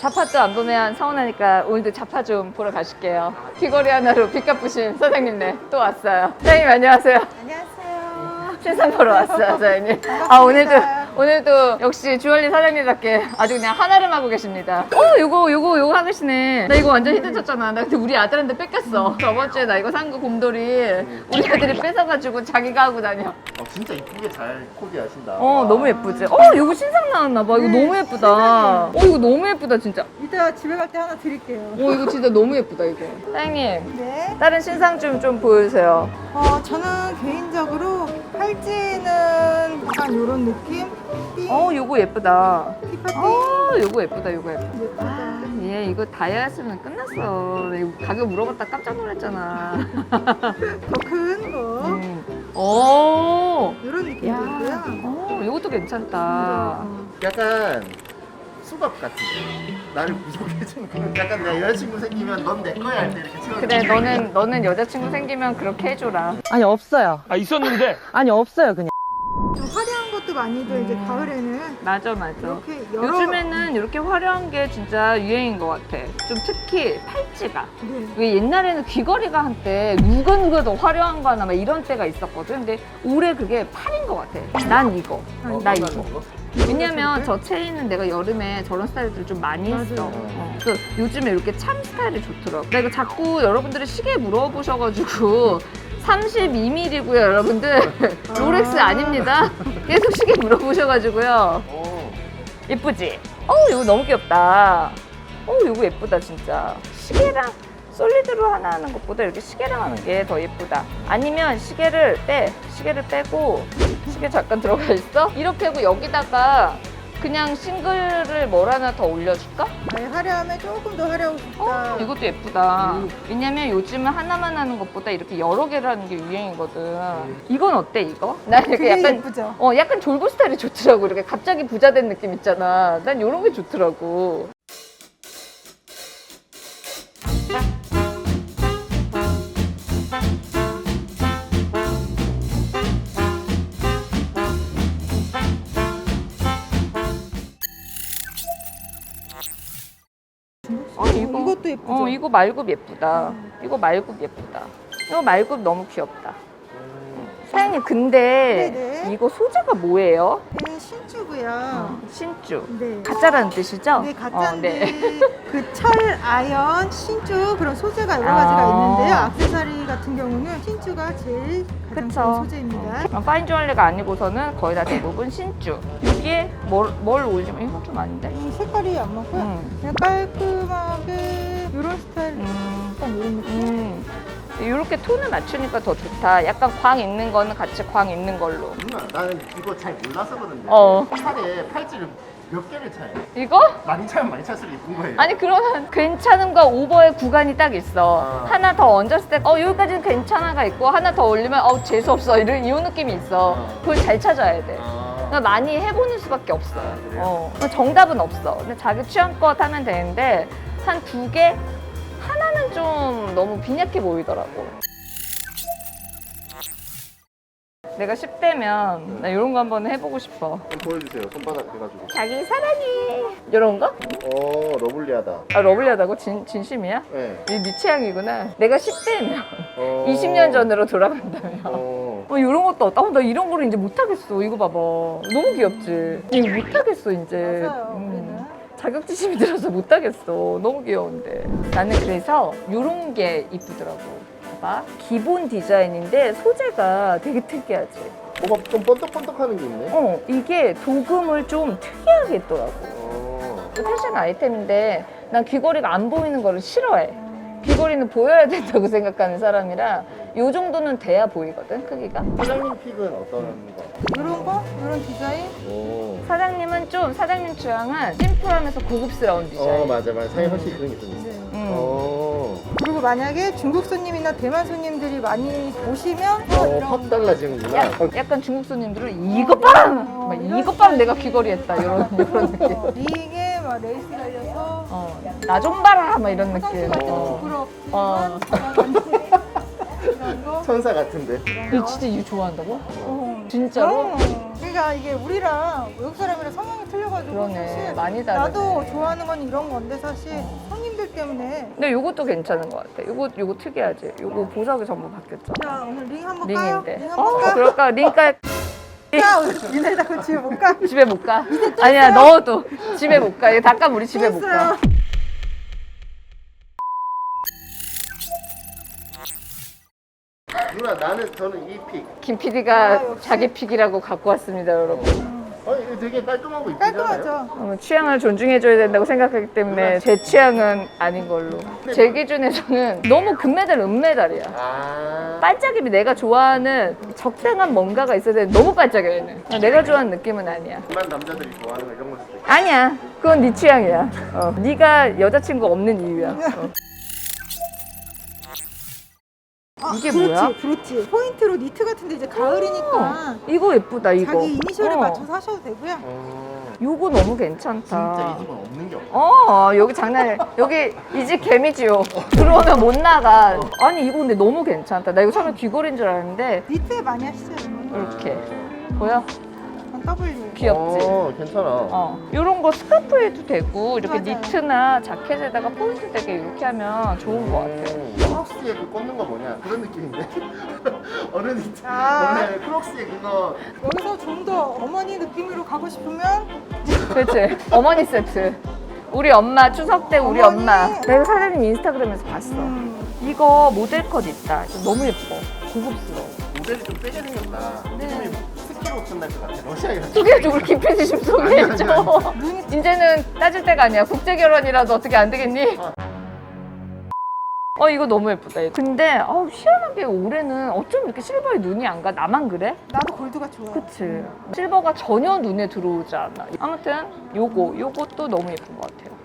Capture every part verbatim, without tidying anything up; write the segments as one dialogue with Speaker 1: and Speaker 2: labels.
Speaker 1: 자파도 안 보면 서운하니까 오늘도 자파 좀 보러 가실게요. 귀걸이 하나로 빚 갚으신 사장님네 또 왔어요. 사장님 안녕하세요.
Speaker 2: 안녕하세요.
Speaker 1: 신상 보러 왔어요, 사장님. 아, 오늘도, 오늘도 역시 주얼리 사장님답게 아주 그냥 한아름 하고 계십니다. 어, 요거, 요거, 요거 하시네. 나 이거 완전 히트 쳤잖아. 나 근데 우리 아들한테 뺏겼어. 저번 주에 나 이거 산 거 곰돌이 우리 아들이 뺏어가지고 자기가 하고 다녀.
Speaker 3: 어, 진짜 이쁘게 잘 코디하신다.
Speaker 1: 어,
Speaker 3: 와.
Speaker 1: 너무 예쁘지? 어, 요거 신상 나왔나봐. 이거
Speaker 2: 네,
Speaker 1: 너무 예쁘다. 어, 이거 너무 예쁘다, 진짜.
Speaker 2: 이따 집에 갈 때 하나 드릴게요.
Speaker 1: 어, 이거 진짜 너무 예쁘다, 이거. 사장님,
Speaker 2: 네.
Speaker 1: 다른 신상 좀, 좀 보여주세요.
Speaker 2: 어, 저는 개인적으로 팔찌는 약간 이런 느낌? 띵,
Speaker 1: 어, 요거 예쁘다.
Speaker 2: 티파띵.
Speaker 1: 어, 요거 예쁘다, 요거 예쁘다.
Speaker 2: 예쁘다.
Speaker 1: 얘 이거 다이아였으면 끝났어. 이거 가격 물어봤다 깜짝 놀랐잖아.
Speaker 2: 더 큰 거.
Speaker 1: 음. 오,
Speaker 2: 이런 느낌도
Speaker 1: 야,
Speaker 2: 있고요.
Speaker 1: 어, 이것도 괜찮다.
Speaker 3: 약간 수갑 같은 거. 나를 구속해주는 그런 약간 내 여자친구 생기면 넌 내 거야 할 때 이렇게 채워.
Speaker 1: 그래, 너는 너는 여자친구 생기면 그렇게 해줘라.
Speaker 4: 아니 없어요.
Speaker 5: 아 있었는데
Speaker 4: 아니 없어요 그냥.
Speaker 2: 좀 화려한 것도 많이들 이제 가을에는
Speaker 1: 맞아, 맞아.
Speaker 2: 이렇게 여러
Speaker 1: 요즘에는 이렇게 화려한 게 진짜 유행인 것 같아. 좀 특히 팔찌가.
Speaker 2: 네.
Speaker 1: 왜 옛날에는 귀걸이가 한때 누가 누가 더 화려한 거 하나 막 이런 때가 있었거든. 근데 올해 그게 팔인 것 같아. 난 이거.
Speaker 3: 어,
Speaker 1: 나
Speaker 3: 얼마나
Speaker 1: 이거.
Speaker 3: 먹어?
Speaker 1: 왜냐면 저 체인은 내가 여름에 저런 스타일들 좀 많이 했어.
Speaker 2: 맞아요.
Speaker 1: 어. 그래서 요즘에 이렇게 참 스타일이 좋더라고. 나 이거 자꾸 여러분들이 시계 물어보셔가지고 삼십이 밀리미터고요, 여러분들. 롤렉스 아닙니다. 계속 시계 물어보셔가지고요.
Speaker 3: 어.
Speaker 1: 예쁘지? 어우, 이거 너무 귀엽다. 어우, 이거 예쁘다, 진짜. 시계랑 솔리드로 하나 하는 것보다 이렇게 시계랑 하는 게 더 예쁘다. 아니면 시계를 빼. 시계를 빼고, 시계 잠깐 들어가 있어? 이렇게 하고 여기다가 그냥 싱글을 뭘 하나 더 올려줄까?
Speaker 2: 아예 화려하면 조금 더 화려하고 싶다.
Speaker 1: 어, 이것도 예쁘다. 왜냐면 요즘은 하나만 하는 것보다 이렇게 여러 개를 하는 게 유행이거든. 이건 어때, 이거? 나 이렇게
Speaker 2: 그게
Speaker 1: 약간
Speaker 2: 예쁘죠?
Speaker 1: 어, 약간 졸부 스타일이 좋더라고. 이렇게 갑자기 부자 된 느낌 있잖아. 난 이런 게 좋더라고. 어, 이거,
Speaker 2: 이것도 예쁘죠?
Speaker 1: 어, 이거 말굽 예쁘다. 이거 말굽 예쁘다. 이거 말굽 너무 귀엽다. 사장님, 근데
Speaker 2: 네네.
Speaker 1: 이거 소재가 뭐예요?
Speaker 2: 얘는 신주고요.
Speaker 1: 신주.
Speaker 2: 네.
Speaker 1: 가짜라는 뜻이죠?
Speaker 2: 네, 가짜인데
Speaker 1: 어, 네.
Speaker 2: 그 철, 아연, 신주 그런 소재가 여러
Speaker 1: 아.
Speaker 2: 가지가 있는데요. 액세서리 같은 경우는 신주가 제일 가장
Speaker 1: 그쵸.
Speaker 2: 좋은 소재입니다.
Speaker 1: 어, 파인 주얼리가 아니고서는 거의 다 대부분 신주. 여기에 뭘, 뭘 올리면 이건 좀 아닌데?
Speaker 2: 이 색깔이 안 맞고요.
Speaker 1: 음.
Speaker 2: 그냥 깔끔하게 이런 스타일,
Speaker 1: 음.
Speaker 2: 약간 이런 느낌.
Speaker 1: 음. 이렇게 톤을 맞추니까 더 좋다. 약간 광 있는 거는 같이 광 있는 걸로.
Speaker 3: 누나 나는 이거 잘 몰라서 그런데
Speaker 1: 어.
Speaker 3: 팔에 팔찌를 몇 개를 차요?
Speaker 1: 이거?
Speaker 3: 많이 차면 많이 찰수록 이쁜 거예요.
Speaker 1: 아니 그러면 괜찮은과 오버의 구간이 딱 있어.
Speaker 3: 아.
Speaker 1: 하나 더 얹었을 때 어 여기까지는 괜찮아가 있고 하나 더 올리면 어 재수없어 이런 이 느낌이 있어.
Speaker 3: 아.
Speaker 1: 그걸 잘 찾아야 돼.
Speaker 3: 아.
Speaker 1: 그러니까 많이 해보는 수밖에 없어요.
Speaker 3: 그래요?
Speaker 1: 어. 정답은 없어. 근데 자기 취향껏 하면 되는데 한 두 개? 하나는 좀 너무 빈약해 보이더라고. 내가 십 대면 나 이런 거 한번 해보고 싶어.
Speaker 3: 좀 보여주세요. 손바닥 해가지고.
Speaker 1: 자기 사랑해. 이런 거?
Speaker 3: 어 러블리하다.
Speaker 1: 아 러블리하다고? 진, 진심이야?
Speaker 3: 네.
Speaker 1: 이게 네 취향이구나. 내가 십 대면
Speaker 3: 어.
Speaker 1: 이십 년 전으로 돌아간다면
Speaker 3: 어.
Speaker 1: 어, 이런 것도 어따. 어, 나 이런 거를 이제 못하겠어. 이거 봐봐. 너무 귀엽지? 이거 못하겠어 이제.
Speaker 2: 맞아요.
Speaker 1: 음.
Speaker 2: 우리는.
Speaker 1: 자격지심이 들어서 못하겠어. 너무 귀여운데. 나는 그래서 이런 게 이쁘더라고. 봐봐. 기본 디자인인데 소재가 되게 특이하지.
Speaker 3: 뭐가 좀 번떡번떡하는 게 있네.
Speaker 1: 어, 이게 도금을 좀 특이하게 했더라고.
Speaker 3: 어.
Speaker 1: 패션 아이템인데 난 귀걸이가 안 보이는 거를 싫어해. 귀걸이는 보여야 된다고 생각하는 사람이라 요 정도는 돼야 보이거든, 크기가.
Speaker 3: 사장님 픽은 어떤 거?
Speaker 2: 이런 거? 이런 디자인?
Speaker 3: 오.
Speaker 1: 사장님은 좀, 사장님 취향은 심플하면서 고급스러운 디자인.
Speaker 3: 어 맞아 맞아. 사장님 확실히 그런 게 좀 있어.
Speaker 2: 네.
Speaker 1: 음.
Speaker 3: 어.
Speaker 2: 그리고 만약에 중국 손님이나 대만 손님들이 많이 오시면 어,
Speaker 3: 어,
Speaker 2: 이런
Speaker 3: 확 달라지는구나.
Speaker 1: 야, 약간 중국 손님들은 이것 봐!
Speaker 2: 어,
Speaker 1: 막
Speaker 2: 이런
Speaker 1: 이것 봐!
Speaker 2: 스타일이-
Speaker 1: 내가 귀걸이 했다. 이런, 이런 느낌.
Speaker 2: 어, 링에 막 레이스 달려서
Speaker 1: 어, 나 좀 봐라! 막 이런
Speaker 2: 화장실
Speaker 1: 느낌.
Speaker 2: 갈때
Speaker 1: 어.
Speaker 2: 부끄럽지만
Speaker 1: 어.
Speaker 2: 이런 거
Speaker 3: 천사 같은데.
Speaker 1: 이 진짜 이거 좋아한다고?
Speaker 2: 어.
Speaker 1: 진짜로?
Speaker 2: 어. 그러니까 이게 우리랑 외국 사람이랑 성향이 틀려가지고
Speaker 1: 그러네.
Speaker 2: 사실
Speaker 1: 많이 다르네.
Speaker 2: 나도 좋아하는 건 이런 건데 사실 손님들 때문에.
Speaker 1: 근데 요것도 괜찮은 것 같아. 요거 요거 특이하지. 요거 보석이 전부 바뀌었죠.
Speaker 2: 자 오늘 링 한번 까요?
Speaker 1: 링인데.
Speaker 2: 링
Speaker 1: 어,
Speaker 2: 한번 까?
Speaker 1: 그럴까? 링깔
Speaker 2: 까? 이내다 그 집에 못 가?
Speaker 1: 집에 못 가. 아니야, 넣어도 집에 못 가. 이거 닦아 우리 집에 못 가.
Speaker 2: 했어요.
Speaker 3: 누나 나는 저는 이 픽.
Speaker 1: 김 피디가
Speaker 2: 아, 역시.
Speaker 1: 자기 픽이라고 갖고 왔습니다, 여러분.
Speaker 3: 어 이거 되게 깔끔하고 이쁘잖아요.
Speaker 2: 깔끔하죠?
Speaker 1: 어, 취향을 존중해줘야 된다고 생각하기 때문에 제 취향은 아닌 걸로. 제 기준에서는 너무 금메달, 은메달이야.
Speaker 3: 아.
Speaker 1: 반짝임이 내가 좋아하는 적당한 뭔가가 있어야 되는데 너무 반짝여 얘는. 내가 좋아하는 느낌은 아니야.
Speaker 3: 일반 남자들이 좋아하는 거 이런 걸 수도 있고.
Speaker 1: 아니야. 그건 네 취향이야. 어. 네가 여자친구 없는 이유야. 어.
Speaker 2: 아,
Speaker 1: 이게
Speaker 2: 그렇지,
Speaker 1: 뭐야?
Speaker 2: 그렇지. 포인트로 니트 같은데 이제 가을이니까
Speaker 1: 어, 이거 예쁘다 이거.
Speaker 2: 자기 이니셜에
Speaker 1: 어.
Speaker 2: 맞춰서 하셔도 되고요.
Speaker 3: 어.
Speaker 1: 요거 너무 괜찮다.
Speaker 3: 진짜 이 집은 없는 게 없어.
Speaker 1: 어 여기 장난이야. 여기 이 집 개미지요. 들어오면 못 나가. 아니 이거 근데 너무 괜찮다. 나 이거 처음에 귀걸이인 줄 알았는데
Speaker 2: 니트에 많이 하시죠? 여러분?
Speaker 1: 이렇게 보여?
Speaker 2: W.
Speaker 1: 귀엽지?
Speaker 3: 어, 괜찮아.
Speaker 1: 어 이런 거 스카프에도 되고 이렇게
Speaker 2: 맞아요.
Speaker 1: 니트나 자켓에다가 포인트 되게 이렇게 하면 좋은 것 같아.
Speaker 3: 음, 크록스에 그 꽂는 거 뭐냐 그런 느낌인데 어느 니트
Speaker 2: 아.
Speaker 3: 원래 크록스에 그거
Speaker 2: 여기서 좀 더 어머니 느낌으로 가고 싶으면
Speaker 1: 그렇지? 어머니 세트. 우리 엄마 추석 때 우리
Speaker 2: 어머니.
Speaker 1: 엄마. 내가 사장님 인스타그램에서 봤어.
Speaker 2: 음,
Speaker 1: 이거 모델 컷 있다. 너무 예뻐. 고급스러워.
Speaker 3: 모델이 좀 세게 생겼다.
Speaker 1: 네.
Speaker 3: 느낌이 스키로 옷 날것 같아. 러시아에서.
Speaker 1: 소개해줘. 우리 김PD 좀 소개해줘.
Speaker 3: 아니,
Speaker 2: 눈이
Speaker 1: 이제는 따질 때가 아니야. 국제 결혼이라도 어떻게 안 되겠니?
Speaker 3: 어.
Speaker 1: 어 이거 너무 예쁘다. 근데 어, 희한하게 올해는 어쩜 이렇게 실버에 눈이 안 가? 나만 그래?
Speaker 2: 나도 골드가 좋아.
Speaker 1: 그치. 실버가 전혀 눈에 들어오지 않아. 아무튼 요거 요것도 너무 예쁜 것 같아요.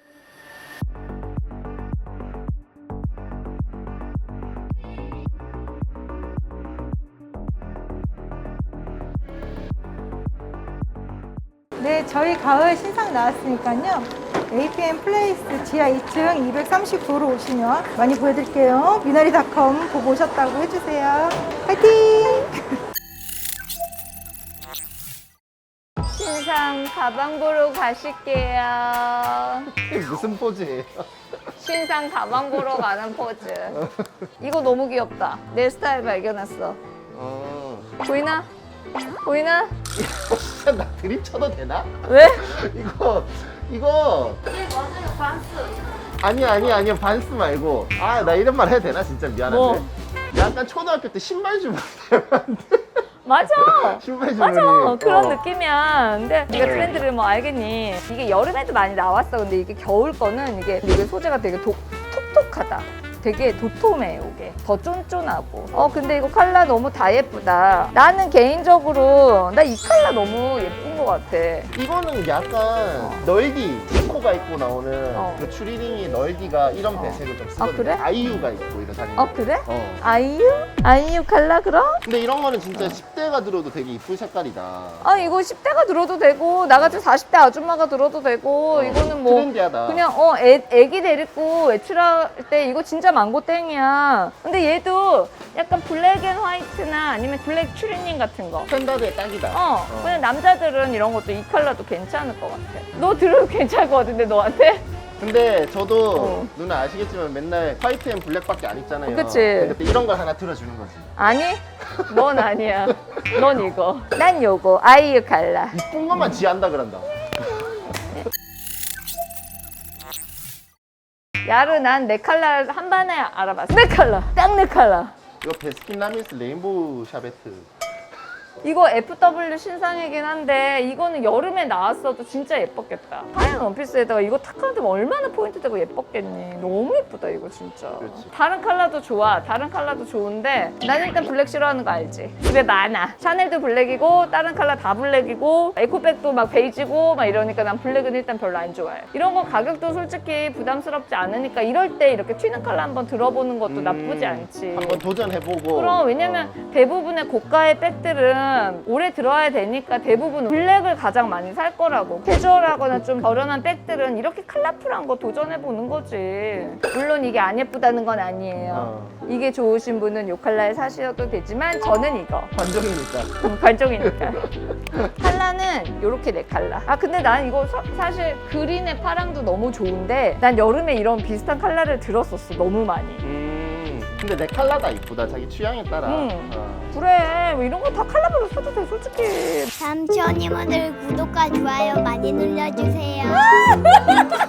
Speaker 2: 네, 저희 가을 신상 나왔으니까요. 에이피엠 플레이스 지하 이 층 이백삼십구로 오시면 많이 보여드릴게요. 미나리닷컴 보고 오셨다고 해주세요. 화이팅!
Speaker 1: 신상 가방 보러 가실게요.
Speaker 3: 이게 무슨 포즈예요?
Speaker 1: 신상 가방 보러 가는 포즈. 이거 너무 귀엽다. 내 스타일 발견했어.
Speaker 3: 어.
Speaker 1: 보이나? 보이나?
Speaker 3: 진짜 나 드립 쳐도 되나?
Speaker 1: 왜?
Speaker 3: 이거 이거
Speaker 1: 네 맞아요. 반스.
Speaker 3: 아니 아니 아니 반스 말고 아 나 이런 말 해도 되나 진짜 미안한데
Speaker 1: 뭐?
Speaker 3: 약간 초등학교 때 신발 주머니 닮았는데
Speaker 1: 맞아.
Speaker 3: 신발 주머니
Speaker 1: 맞아. 그런
Speaker 3: 어.
Speaker 1: 느낌이야. 근데 네가 트렌드를 뭐 알겠니? 이게 여름에도 많이 나왔어. 근데 이게 겨울 거는 이게 이게 소재가 되게 도, 톡톡하다. 되게 도톰해 이게. 더 쫀쫀하고. 어 근데 이거 컬러 너무 다 예쁘다. 나는 개인적으로 나 이 컬러 너무 예쁜 것 같아.
Speaker 3: 이거는 약간 널디 디코가 입고 나오는
Speaker 1: 어.
Speaker 3: 그 추리닝이 널디가 이런
Speaker 1: 어.
Speaker 3: 배색을 좀 쓰거든요.
Speaker 1: 그래?
Speaker 3: 아이유가 입고 이런 사진.
Speaker 1: 어 그래?
Speaker 3: 어.
Speaker 1: 아이유? 아이유 컬러 그럼?
Speaker 3: 근데 이런 거는 진짜 십 대가 들어도 되게 이쁜 색깔이다.
Speaker 1: 아 이거 십 대가 들어도 되고 나 같은 사십 대 아줌마가 들어도 되고
Speaker 3: 어,
Speaker 1: 이거는 뭐
Speaker 3: 트렌디하다.
Speaker 1: 그냥 어 애, 애기 데리고 외출할 때 이거 진짜 망고 땡이야. 근데 얘도 약간 블랙 앤 화이트나 아니면 블랙 추리닝 같은 거.
Speaker 3: 스탠다드에 딱이다.
Speaker 1: 어,
Speaker 3: 어.
Speaker 1: 그냥 남자들은 이런 것도 이 컬러도 괜찮을 것 같아. 너 들으면 괜찮을 것 같은데 너한테?
Speaker 3: 근데 저도
Speaker 1: 어.
Speaker 3: 누나 아시겠지만 맨날 화이트 앤 블랙밖에 안 입잖아요.
Speaker 1: 그치.
Speaker 3: 근데 이런 걸 하나 들어주는 거지.
Speaker 1: 아니? 넌 아니야. 넌 이거. 난 요거. 아이유 컬러.
Speaker 3: 이쁜 것만 지한다 그런다.
Speaker 1: 야르 난 내 컬러 한 번에 알아봤어. 내 컬러. 딱 내 컬러.
Speaker 3: 이거 베스킨라빈스 레인보우 샤베트.
Speaker 1: 이거 에프더블유 신상이긴 한데 이거는 여름에 나왔어도 진짜 예뻤겠다. 하얀 원피스에다가 이거 탁 하면 얼마나 포인트 되고 예뻤겠니. 너무 예쁘다 이거 진짜.
Speaker 3: 그렇지.
Speaker 1: 다른 컬러도 좋아. 다른 컬러도 좋은데 난 일단 블랙 싫어하는 거 알지? 집에 많아. 샤넬도 블랙이고 다른 컬러 다 블랙이고 에코백도 막 베이지고 막 이러니까 난 블랙은 일단 별로 안 좋아해. 이런 거 가격도 솔직히 부담스럽지 않으니까 이럴 때 이렇게 튀는 컬러 한번 들어보는 것도
Speaker 3: 음,
Speaker 1: 나쁘지 않지.
Speaker 3: 한번 도전해보고.
Speaker 1: 그럼 왜냐면 대부분의 고가의 백들은 지금 오래 들어야 되니까 대부분 블랙을 가장 많이 살 거라고. 캐주얼하거나 좀 저렴한 백들은 이렇게 컬러풀한 거 도전해보는 거지. 물론 이게 안 예쁘다는 건 아니에요.
Speaker 3: 어.
Speaker 1: 이게 좋으신 분은 요 컬러에 사셔도 되지만 저는 이거.
Speaker 3: 관종이니까.
Speaker 1: 음, 관종이니까. 컬러는 요렇게 네 컬러. 아 근데 난 이거 서- 사실 그린의 파랑도 너무 좋은데 난 여름에 이런 비슷한 컬러를 들었었어. 너무 많이.
Speaker 3: 음. 근데 내 컬러가 이쁘다. 자기 취향에 따라.
Speaker 1: 음.
Speaker 3: 어.
Speaker 1: 그래 뭐 이런 거 다 컬러별로 사도 돼 솔직히.
Speaker 4: 삼촌이모들 구독과 좋아요 많이 눌러주세요.